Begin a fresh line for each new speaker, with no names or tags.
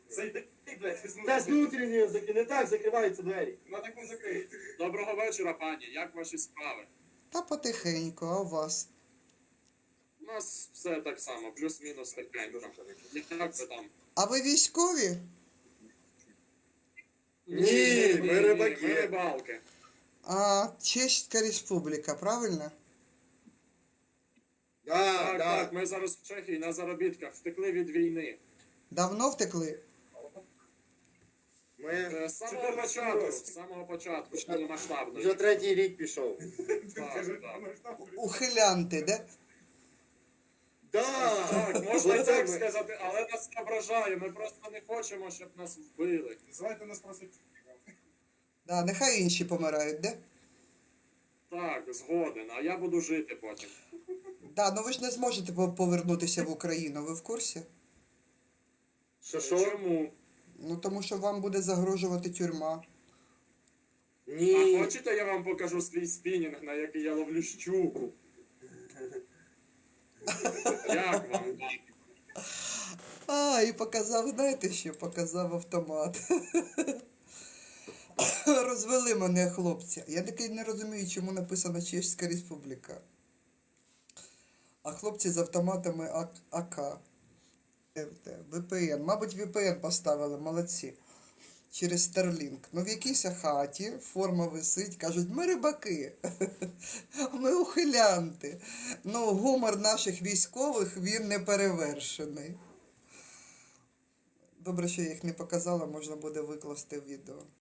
Зайди, блядь,
Та з внутрішньої не так закриваються двері.
Ну так не закриють. Доброго вечора, пані. Як ваші справи?
Та потихеньку, а у вас?
У нас все так само, плюс-мінус тихенько. Як ви там?
А ви військові?
Ні, ми рибаки.
Ми рибалки.
А Чеська Республіка, правильно?
Так, так, ми зараз в Чехії на заробітках, втекли від війни.
Давно втекли?
Ми
З самого початку, повномасштабно.
вже 3-й рік пішов.
Так, так.
Ухилянти, де?
Так, можна і так сказати, але нас не ображає, ми просто не хочемо, щоб нас вбили.
Називайте нас просто
Да, нехай інші помирають, де?
Так, згоден, а я буду жити потім.
Да, ну ви ж не зможете повернутися в Україну, ви в курсі?
Що?
Чому?
Ну тому що вам буде загрожувати тюрма.
А
Ні.
хочете, я вам покажу свій спінінг, на який я ловлю щуку? Як вам?
А, і показав, знаєте що? Показав автомат. Розвели мене хлопці. Я таки не розумію, чому написано Чеська Республіка. А хлопці з автоматами АК. VPN. Мабуть, VPN поставили, молодці. Через Starlink. Ну в якійсь хаті форма висить, кажуть, ми рибаки. Ми ухилянти. Ну, гумор наших військових, він не перевершений. Добре, що я їх не показала, можна буде викласти в відео.